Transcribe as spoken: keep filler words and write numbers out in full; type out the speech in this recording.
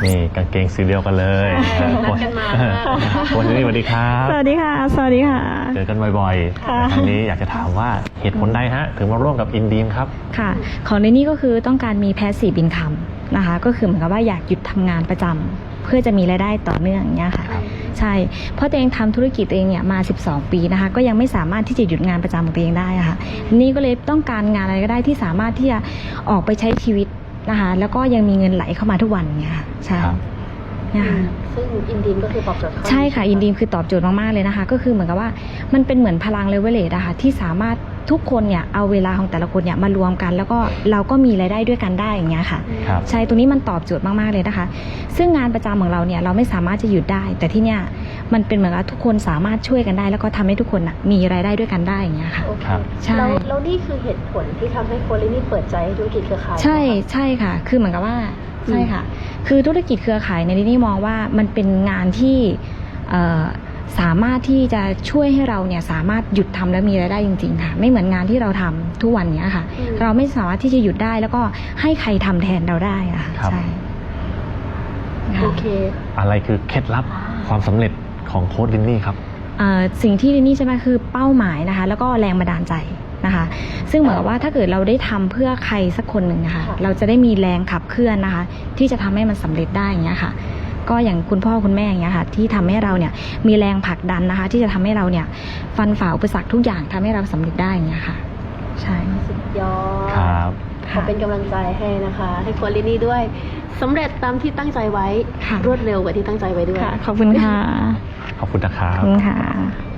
นี่กางเกงสีเดียวกันเลยนัดกันมาวันนี้สวัสดีครับสวัสดีค่ะสวัสดีค่ะเจอกันบ่อยๆแต่ครั้งนี้อยากจะถามว่าเหตุผลใดฮะถึงมาร่วมกับอินดีมครับค่ะของในนี้ก็คือต้องการมี passive income นะคะก็คือเหมือนกับว่าอยากหยุดทำงานประจำเพื่อจะมีรายได้ต่อเนื่องอย่างเงี้ยค่ะใช่เพราะตัวเองทำธุรกิจตัวเองเนี่ยมาสิบสองปีนะคะก็ยังไม่สามารถที่จะหยุดงานประจำของตัวเองได้ค่ะนี่ก็เลยต้องการงานอะไรก็ได้ที่สามารถที่จะออกไปใช้ชีวิตนะคะแล้วก็ยังมีเงินไหลเข้ามาทุกวันเงี้ยค่ะใช่ซึ่งอินดีมก็คือตอบโจทย์ใช่ค่ะอินดีมคือตอบโจทย์มากๆเลยนะคะก็คือเหมือนกับว่ามันเป็นเหมือนพลังเลเวลเลตอะค่ะที่สามารถทุกคนเนี่ยเอาเวลาของแต่ละคนเนี่ยมารวมกันแล้วก็เราก็มีรายได้ด้วยกันได้อย่างเงี้ยค่ะใช่ตรงนี้มันตอบโจทย์มากๆเลยนะคะซึ่งงานประจำของเราเนี่ยเราไม่สามารถจะหยุดได้แต่ที่เนี่ยมันเป็นเหมือนกับทุกคนสามารถช่วยกันได้แล้วก็ทำให้ทุกคนมีรายได้ด้วยกันได้อย่างเงี้ยค่ะใช่แล้วนี่คือเหตุผลที่ทำให้โคลินี่เปิดใจธุรกิจเครือข่ายใช่ใช่ค่ะคือเหมือนกับว่าใช่ค่ะคือธุรกิจเครือข่ายในที่นี่มองว่ามันเป็นงานที่สามารถที่จะช่วยให้เราเนี่ยสามารถหยุดทำแล้วมีรายได้จริงๆค่ะไม่เหมือนงานที่เราทำทุกวันนี้ค่ะเราไม่สามารถที่จะหยุดได้แล้วก็ให้ใครทำแทนเราได้ค่ะใช่โอเคอะไรคือเคล็ดลับความสำเร็จของโค้ชลินนี่ครับสิ่งที่ลินนี่ใช่ไหมคือเป้าหมายนะคะแล้วก็แรงบันดาลใจนะคะซึ่งเหมือนกับว่าถ้าเกิดเราได้ทำเพื่อใครสักคนหนึ่งนะคะเราจะได้มีแรงขับเคลื่อนนะคะที่จะทำให้มันสำเร็จได้อย่างเงี้ยค่ะก็อย่างคุณพ่อคุณแม่อย่างเงี้ยค่ะที่ทำให้เราเนี่ยมีแรงผลักดันนะคะที่จะทำให้เราเนี่ยฟันฝ่าอุปสรรคทุกอย่างทำให้เราสำเร็จได้อย่างเงี้ยค่ะใช่สุดยอดครับขอเป็นกำลังใจให้นะคะให้โคลินี่ด้วยสำเร็จตามที่ตั้งใจไว้รวดเร็วกว่าที่ตั้งใจไว้ด้วยขอบคุณค่ะขอบคุณนะครับขอบคุณค่ะ